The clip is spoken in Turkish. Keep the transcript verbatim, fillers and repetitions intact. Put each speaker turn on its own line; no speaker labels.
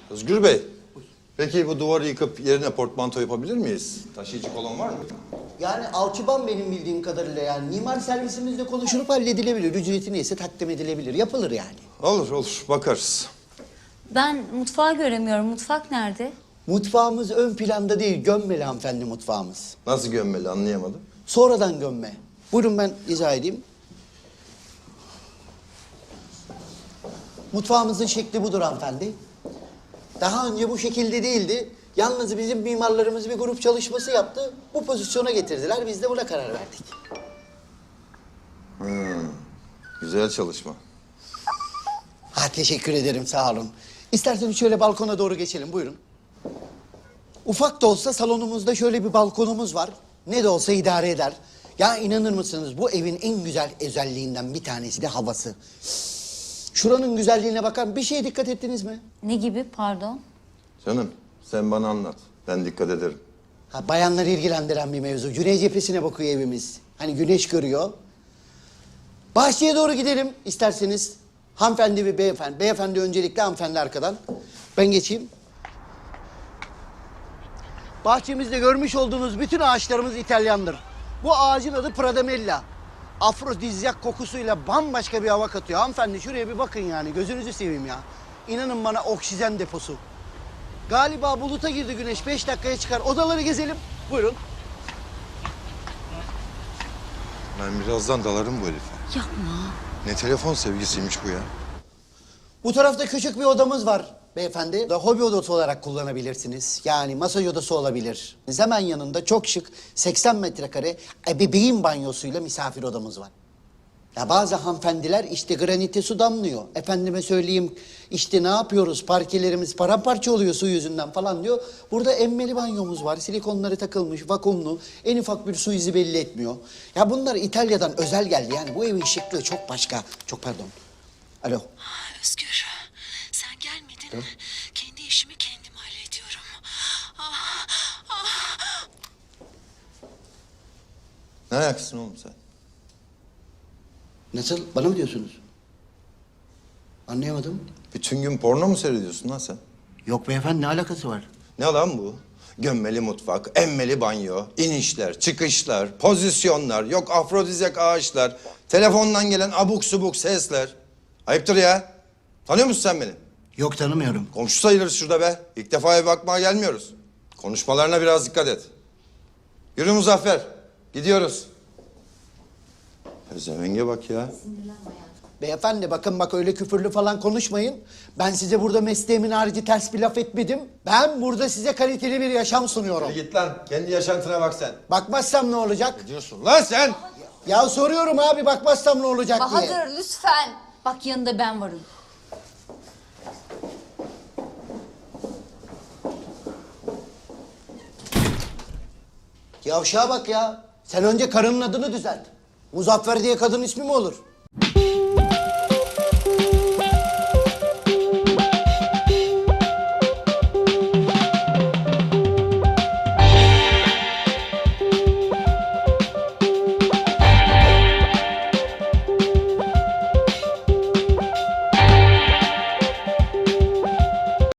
Özgür Bey, peki bu duvarı yıkıp yerine portmanto yapabilir miyiz? Taşıyıcı kolon var mı?
Yani alçıban benim bildiğim kadarıyla yani mimar servisimizle konuşulup halledilebilir. Ücreti neyse takdim edilebilir. Yapılır yani.
Olur olur, bakarız.
Ben mutfağı göremiyorum. Mutfak nerede?
Mutfağımız ön planda değil, gömmeli hanımefendi mutfağımız.
Nasıl gömmeli anlayamadım.
Sonradan gömme. Buyurun ben izah edeyim. Mutfağımızın şekli budur hanımefendi. Daha önce bu şekilde değildi. Yalnız bizim mimarlarımız bir grup çalışması yaptı. Bu pozisyona getirdiler. Biz de buna karar verdik.
Hmm, güzel çalışma.
Ha teşekkür ederim sağ olun. İsterseniz şöyle balkona doğru geçelim buyurun. Ufak da olsa salonumuzda şöyle bir balkonumuz var. Ne de olsa idare eder. Ya inanır mısınız bu evin en güzel özelliğinden bir tanesi de havası. Şuranın güzelliğine bakar. Bir şeye dikkat ettiniz mi?
Ne gibi pardon?
Canım, sen bana anlat. Ben dikkat ederim.
Ha, bayanları ilgilendiren bir mevzu. Güney cephesine bakıyor evimiz. Hani güneş görüyor. Bahçeye doğru gidelim isterseniz. Hanımefendi ve beyefendi. Beyefendi öncelikle, hanımefendi arkadan. Ben geçeyim. Bahçemizde görmüş olduğunuz bütün ağaçlarımız İtalyandır. Bu ağacın adı Pradamella. Afrodizyak kokusuyla bambaşka bir hava katıyor. Hanımefendi şuraya bir bakın yani. Gözünüzü seveyim ya. İnanın bana oksijen deposu. Galiba buluta girdi güneş. Beş dakikaya çıkar. Odaları gezelim. Buyurun.
Ben birazdan dalarım bu herife.
Yapma.
Ne telefon sevgisiymiş bu ya.
Bu tarafta küçük bir odamız var beyefendi. Da hobi odası olarak kullanabilirsiniz. Yani masaj odası olabilir. Hemen yanında çok şık seksen metrekare ebeveyn banyosuyla misafir odamız var. Ya bazı hanımefendiler işte granite su damlıyor. Efendime söyleyeyim işte ne yapıyoruz parkelerimiz paramparça oluyor su yüzünden falan diyor. Burada emmeli banyomuz var. Silikonları takılmış, vakumlu. En ufak bir su izi belli etmiyor. Ya bunlar İtalya'dan özel geldi. Yani bu evin şıklığı çok başka. Çok pardon. Alo.
Özgür, sen gelmedin.
Hı?
Kendi işimi kendim hallediyorum. Ah, ah.
Ne ayaksın oğlum sen?
Nasıl? Bana mı diyorsunuz? Anlayamadım.
Bütün gün porno mu seyrediyorsun lan sen?
Yok beyefendi ne alakası var?
Ne lan bu? Gömmeli mutfak, emmeli banyo, inişler, çıkışlar, pozisyonlar, yok afrodizyak ağaçlar, telefondan gelen abuk subuk sesler. Ayıptır ya. Tanıyor musun sen beni?
Yok tanımıyorum.
Komşu sayılırız şurada be. İlk defa eve bakmaya gelmiyoruz. Konuşmalarına biraz dikkat et. Yürü Muzaffer. Gidiyoruz. Pezevenge bak ya.
Beyefendi bakın bak öyle küfürlü falan konuşmayın. Ben size burada mesleğimin harici ters bir laf etmedim. Ben burada size kaliteli bir yaşam sunuyorum.
Hadi git lan. Kendi yaşantına bak sen.
Bakmazsam ne olacak?
Ne diyorsun lan sen?
Ya soruyorum abi bakmazsam ne olacak diye.
Bahadır lütfen. Bak yanında ben varım.
Yavşağa bak ya. Sen önce karının adını düzelt. Muzaffer diye kadın ismi mi olur?